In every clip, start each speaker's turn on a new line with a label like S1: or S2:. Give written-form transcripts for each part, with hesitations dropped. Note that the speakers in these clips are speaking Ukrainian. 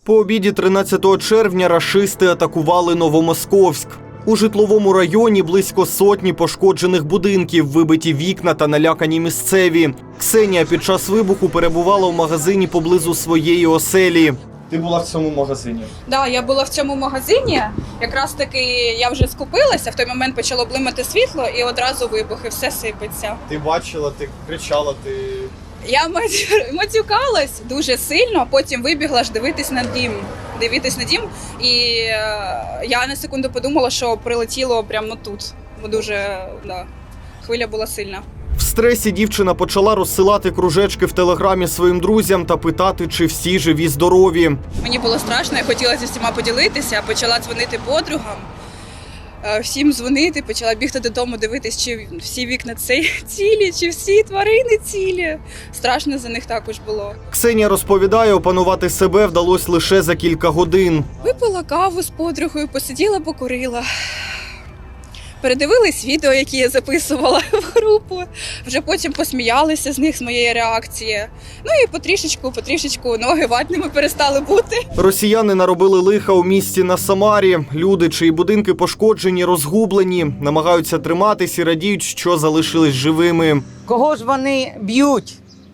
S1: По обіді 13 червня рашисти атакували Новомосковськ. У житловому районі близько сотні пошкоджених будинків, вибиті вікна та налякані місцеві. Ксенія під час вибуху перебувала в магазині поблизу своєї оселі.
S2: Ти була в цьому магазині?
S3: Так, я була в цьому магазині. Якраз таки я вже скупилася, в той момент почало блимати світло і одразу вибух, і все сипеться.
S2: Ти бачила, ти кричала, ти...
S3: Я матюкалась дуже сильно, а потім вибігла ж дивитись на дім. І я на секунду подумала, що прилетіло прямо тут. Бо дуже, хвиля була сильна.
S1: В стресі дівчина почала розсилати кружечки в телеграмі своїм друзям та питати, чи всі живі-здорові.
S3: Мені було страшно, я хотіла зі всіма поділитися, почала дзвонити подругам. Всім дзвонити, почала бігти додому, дивитись, чи всі вікна цілі, чи всі тварини цілі. Страшно за них також було.
S1: Ксенія розповідає, опанувати себе вдалося лише за кілька годин.
S3: Випила каву з подругою, посиділа, покурила. Передивились відео, які я записувала в групу. Вже потім посміялися з них, з моєї реакції. Ну і потрішечку ноги ватними перестали бути.
S1: Росіяни наробили лиха у місті на Самарі. Люди, чиї будинки пошкоджені, розгублені, намагаються триматись і радіють, що залишились живими.
S4: Кого ж вони б'ють?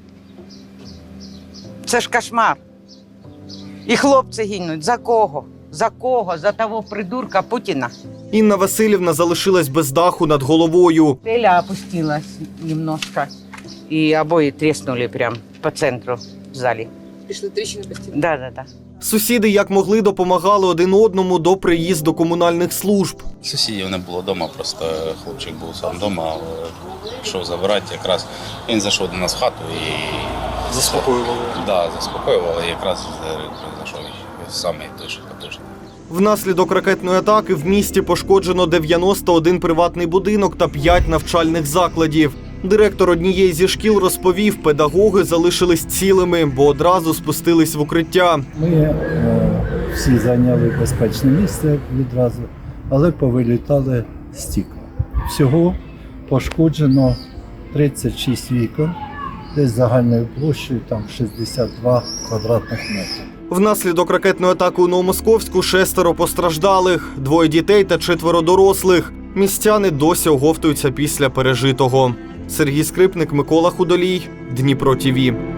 S4: Це ж кошмар. І хлопці гинуть. За кого? За кого? За того придурка Путіна.
S1: Інна Васильівна залишилась без даху над головою.
S4: Теля опустилась немножко. І обої тріснули прямо по центру в залі.
S3: Пішли тріщини по стіні.
S4: Да.
S1: Сусіди як могли допомагали один одному до приїзду комунальних служб.
S5: Сусідів не було вдома, просто хлопчик був сам вдома, йшов забирати, якраз він зайшов до нас в хату і
S2: Заспокоювали?
S5: Да, заспокоювали, і якраз зайшов самий той потужний.
S1: Внаслідок ракетної атаки в місті пошкоджено 91 приватний будинок та 5 навчальних закладів. Директор однієї зі шкіл розповів, педагоги залишились цілими, бо одразу спустились в укриття.
S6: Ми всі зайняли безпечне місце відразу, але повилітали стікла. Всього пошкоджено 36 вікон, десь загальною площею там 62 квадратних метрів.
S1: Внаслідок ракетної атаки у Новомосковську 6 постраждалих, 2 дітей та 4 дорослих. Містяни досі оговтуються після пережитого. Сергій Скрипник, Микола Худолій, Дніпро ТІВІ.